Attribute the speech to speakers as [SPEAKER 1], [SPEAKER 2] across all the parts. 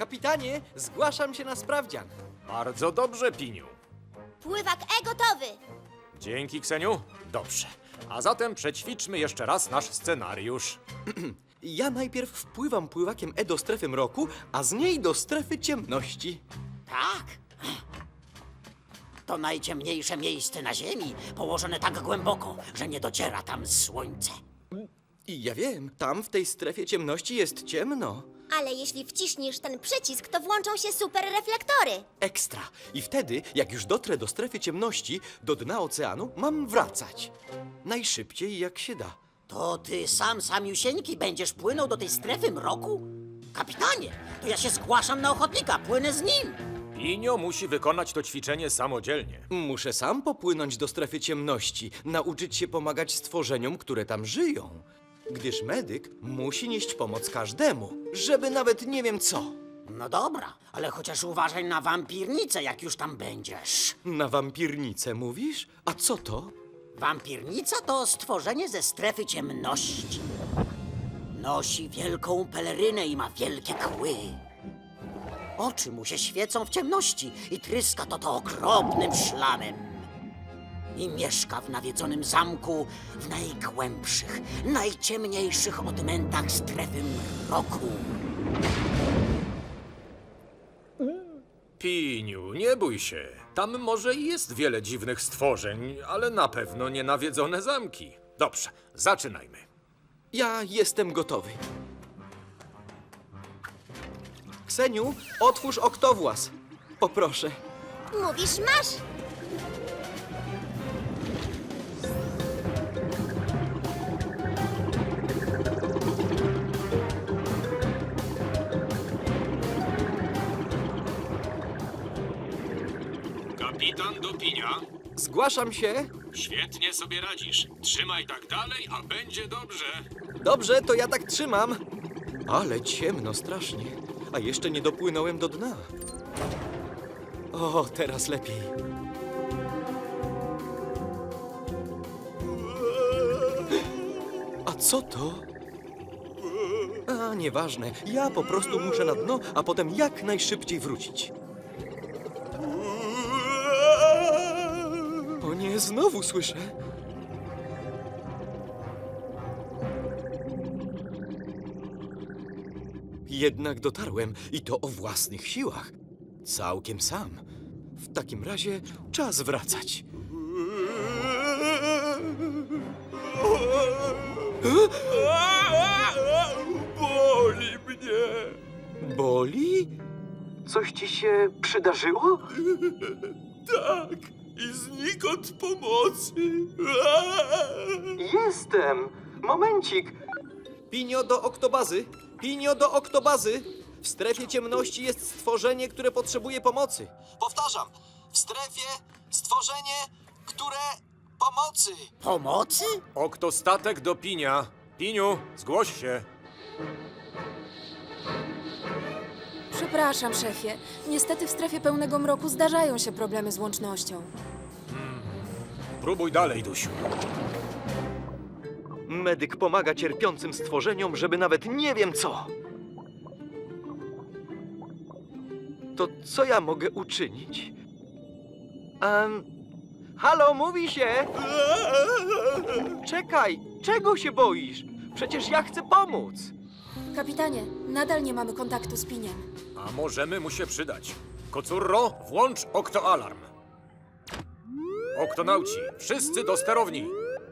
[SPEAKER 1] Kapitanie, zgłaszam się na sprawdzian.
[SPEAKER 2] Bardzo dobrze, Piniu.
[SPEAKER 3] Pływak gotowy.
[SPEAKER 2] Dzięki, Kseniu. Dobrze. A zatem przećwiczmy jeszcze raz nasz scenariusz.
[SPEAKER 1] Ja najpierw wpływam pływakiem do strefy mroku, a z niej do strefy ciemności.
[SPEAKER 4] Tak. To najciemniejsze miejsce na Ziemi, położone tak głęboko, że nie dociera tam słońce.
[SPEAKER 1] I ja wiem, tam w tej strefie ciemności jest ciemno.
[SPEAKER 3] Ale jeśli wciśniesz ten przycisk, to włączą się super reflektory.
[SPEAKER 1] Ekstra. I wtedy, jak już dotrę do strefy ciemności, do dna oceanu, mam wracać. Najszybciej jak się da.
[SPEAKER 4] To ty samiusieńki będziesz płynął do tej strefy mroku? Kapitanie, to ja się zgłaszam na ochotnika, płynę z nim.
[SPEAKER 2] Pinio musi wykonać to ćwiczenie samodzielnie.
[SPEAKER 1] Muszę sam popłynąć do strefy ciemności, nauczyć się pomagać stworzeniom, które tam żyją. Gdyż medyk musi nieść pomoc każdemu, żeby nawet nie wiem co.
[SPEAKER 4] No dobra, ale chociaż uważaj na wampirnicę, jak już tam będziesz.
[SPEAKER 1] Na wampirnicę mówisz? A co to?
[SPEAKER 4] Wampirnica to stworzenie ze strefy ciemności. Nosi wielką pelerynę i ma wielkie kły. Oczy mu się świecą w ciemności i tryska to okropnym szlamem. I mieszka w nawiedzonym zamku w najgłębszych, najciemniejszych odmętach strefy mroku.
[SPEAKER 2] Piniu, nie bój się. Tam może i jest wiele dziwnych stworzeń, ale na pewno nie nawiedzone zamki. Dobrze, zaczynajmy.
[SPEAKER 1] Ja jestem gotowy. Kseniu, otwórz oktowłas. Poproszę.
[SPEAKER 3] Mówisz, masz.
[SPEAKER 5] Kapitan do Pinia.
[SPEAKER 1] Zgłaszam się.
[SPEAKER 5] Świetnie sobie radzisz. Trzymaj tak dalej, a będzie dobrze.
[SPEAKER 1] Dobrze, to ja tak trzymam. Ale ciemno strasznie. A jeszcze nie dopłynąłem do dna. O, teraz lepiej. A co to? A, nieważne. Ja po prostu muszę na dno, a potem jak najszybciej wrócić. O nie, znowu słyszę. Jednak dotarłem i to o własnych siłach. Całkiem sam. W takim razie czas wracać.
[SPEAKER 5] Boli mnie.
[SPEAKER 1] Boli? Coś ci się przydarzyło?
[SPEAKER 5] Tak. I znikąd pomocy.
[SPEAKER 1] Jestem. Momencik. Pinio do oktobazy. Pinio do oktobazy. W strefie ciemności jest stworzenie, które potrzebuje pomocy. Powtarzam. W strefie stworzenie, które pomocy.
[SPEAKER 4] Pomocy?
[SPEAKER 2] Oktostatek do Pinia. Piniu, zgłoś się.
[SPEAKER 6] Przepraszam, szefie. Niestety w strefie pełnego mroku zdarzają się problemy z łącznością.
[SPEAKER 2] Próbuj dalej, Dusiu.
[SPEAKER 1] Medyk pomaga cierpiącym stworzeniom, żeby nawet nie wiem co. To co ja mogę uczynić? Halo, mówi się! Czekaj, czego się boisz? Przecież ja chcę pomóc.
[SPEAKER 6] Kapitanie, nadal nie mamy kontaktu z Piniem.
[SPEAKER 2] A możemy mu się przydać. Kocurro, włącz oktoalarm. Oktonauci, wszyscy do sterowni.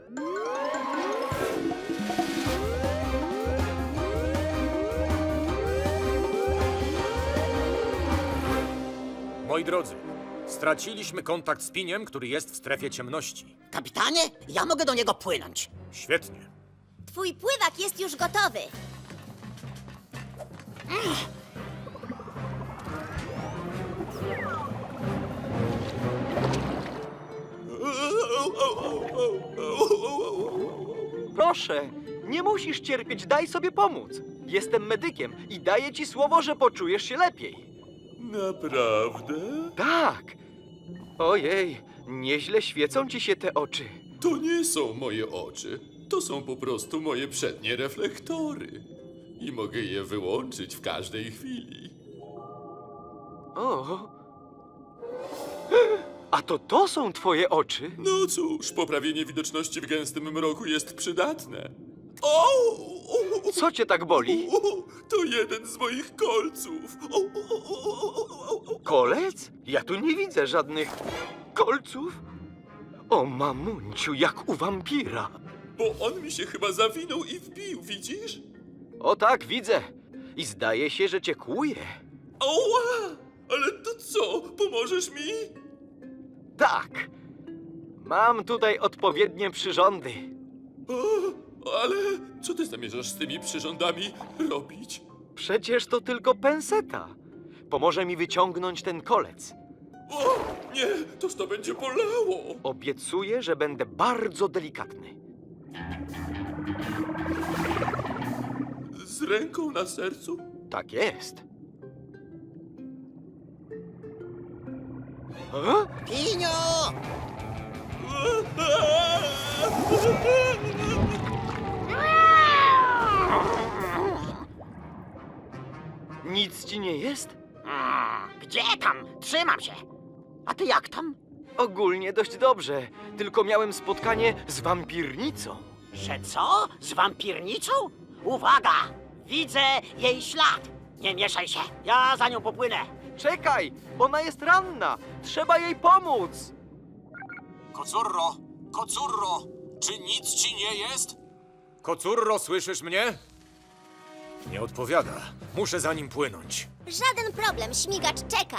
[SPEAKER 2] Moi drodzy, straciliśmy kontakt z Piniem, który jest w strefie ciemności.
[SPEAKER 4] Kapitanie, ja mogę do niego płynąć.
[SPEAKER 2] Świetnie.
[SPEAKER 3] Twój pływak jest już gotowy.
[SPEAKER 1] Proszę, nie musisz cierpieć, daj sobie pomóc. Jestem medykiem i daję ci słowo, że poczujesz się lepiej.
[SPEAKER 5] Naprawdę?
[SPEAKER 1] Tak. Ojej, nieźle świecą ci się te oczy.
[SPEAKER 5] To nie są moje oczy. To są po prostu moje przednie reflektory. I mogę je wyłączyć w każdej chwili.
[SPEAKER 1] O. A to są twoje oczy?
[SPEAKER 5] No cóż, poprawienie widoczności w gęstym mroku jest przydatne. O!
[SPEAKER 1] Co cię tak boli?
[SPEAKER 5] To jeden z moich kolców.
[SPEAKER 1] Kolec? Ja tu nie widzę żadnych kolców. O mamunciu, jak u wampira.
[SPEAKER 5] Bo on mi się chyba zawinął i wbił, widzisz?
[SPEAKER 1] O tak, widzę. I zdaje się, że cię kłuje.
[SPEAKER 5] Oła! Ale to co? Pomożesz mi?
[SPEAKER 1] Tak. Mam tutaj odpowiednie przyrządy.
[SPEAKER 5] Ale co ty zamierzasz z tymi przyrządami robić?
[SPEAKER 1] Przecież to tylko penseta. Pomoże mi wyciągnąć ten kolec.
[SPEAKER 5] O, nie, toż to będzie bolało.
[SPEAKER 1] Obiecuję, że będę bardzo delikatny.
[SPEAKER 5] Z ręką na sercu?
[SPEAKER 1] Tak jest. A?
[SPEAKER 4] Pinio!
[SPEAKER 1] Nic ci nie jest?
[SPEAKER 4] Gdzie tam? Trzymam się. A ty jak tam?
[SPEAKER 1] Ogólnie dość dobrze. Tylko miałem spotkanie z wampirnicą.
[SPEAKER 4] Że co? Z wampirnicą? Uwaga! Widzę jej ślad. Nie mieszaj się. Ja za nią popłynę.
[SPEAKER 1] Czekaj! Ona jest ranna! Trzeba jej pomóc!
[SPEAKER 5] Kocurro! Kocurro! Czy nic ci nie jest?
[SPEAKER 2] Kocurro, słyszysz mnie? Nie odpowiada. Muszę za nim płynąć.
[SPEAKER 3] Żaden problem, śmigacz czeka.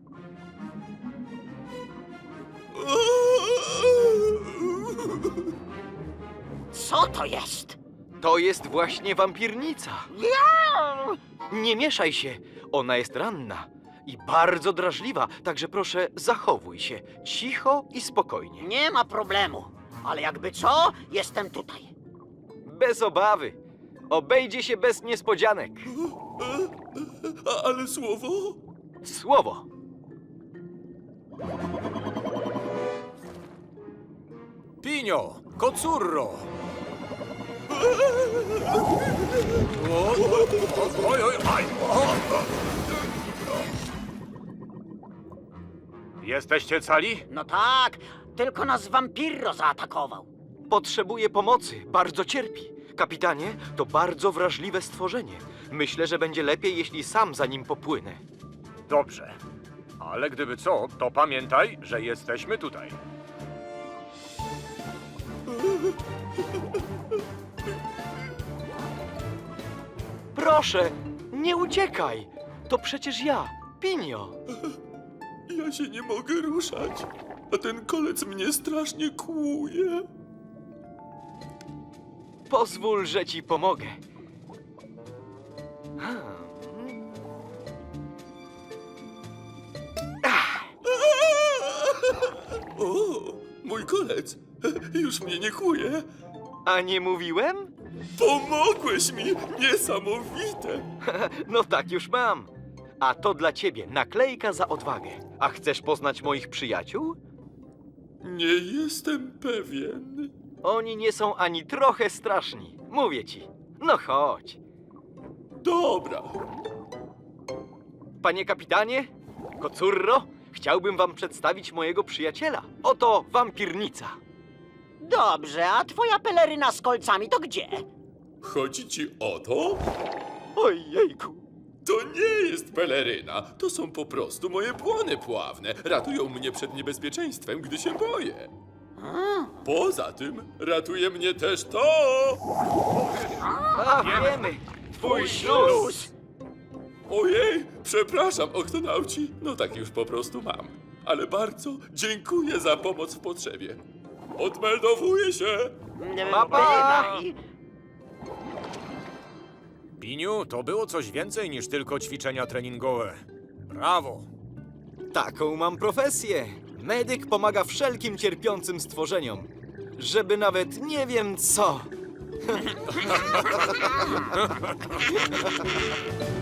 [SPEAKER 4] Co to jest?
[SPEAKER 1] To jest właśnie wampirnica. Nie mieszaj się. Ona jest ranna i bardzo drażliwa, także proszę zachowuj się cicho i spokojnie.
[SPEAKER 4] Nie ma problemu. Ale jakby co, jestem tutaj.
[SPEAKER 1] Bez obawy. Obejdzie się bez niespodzianek.
[SPEAKER 5] Ale słowo?
[SPEAKER 1] Słowo.
[SPEAKER 2] Pinio! Kocurro! Oj, oj, aj! Jesteście cali?
[SPEAKER 4] No tak, tylko nas wampirro zaatakował.
[SPEAKER 1] Potrzebuje pomocy, bardzo cierpi. Kapitanie, to bardzo wrażliwe stworzenie. Myślę, że będzie lepiej, jeśli sam za nim popłynę.
[SPEAKER 2] Dobrze. Ale gdyby co, to pamiętaj, że jesteśmy tutaj.
[SPEAKER 1] Proszę, nie uciekaj. To przecież ja, Pinio.
[SPEAKER 5] Ja się nie mogę ruszać, a ten kolec mnie strasznie kłuje.
[SPEAKER 1] Pozwól, że ci pomogę.
[SPEAKER 5] O, mój kolec już mnie nie kłuje.
[SPEAKER 1] A nie mówiłem?
[SPEAKER 5] Pomogłeś mi! Niesamowite!
[SPEAKER 1] No tak już mam. A to dla ciebie naklejka za odwagę. A chcesz poznać moich przyjaciół?
[SPEAKER 5] Nie jestem pewien.
[SPEAKER 1] Oni nie są ani trochę straszni. Mówię ci. No chodź.
[SPEAKER 5] Dobra.
[SPEAKER 1] Panie kapitanie, Kocurro, chciałbym wam przedstawić mojego przyjaciela. Oto wampirnica.
[SPEAKER 4] Dobrze, a twoja peleryna z kolcami to gdzie?
[SPEAKER 5] Chodzi ci o to?
[SPEAKER 1] Ojejku.
[SPEAKER 5] To nie jest peleryna. To są po prostu moje błony pławne. Ratują mnie przed niebezpieczeństwem, gdy się boję. Poza tym ratuje mnie też to!
[SPEAKER 1] A, wiemy. Twój śluz.
[SPEAKER 5] Ojej, przepraszam, oktonauci. No tak już po prostu mam. Ale bardzo dziękuję za pomoc w potrzebie. Odmeldowuję się!
[SPEAKER 1] Pa, pa.
[SPEAKER 4] Bywaj.
[SPEAKER 2] Piniu, to było coś więcej niż tylko ćwiczenia treningowe. Brawo!
[SPEAKER 1] Taką mam profesję. Medyk pomaga wszelkim cierpiącym stworzeniom. Żeby nawet nie wiem co.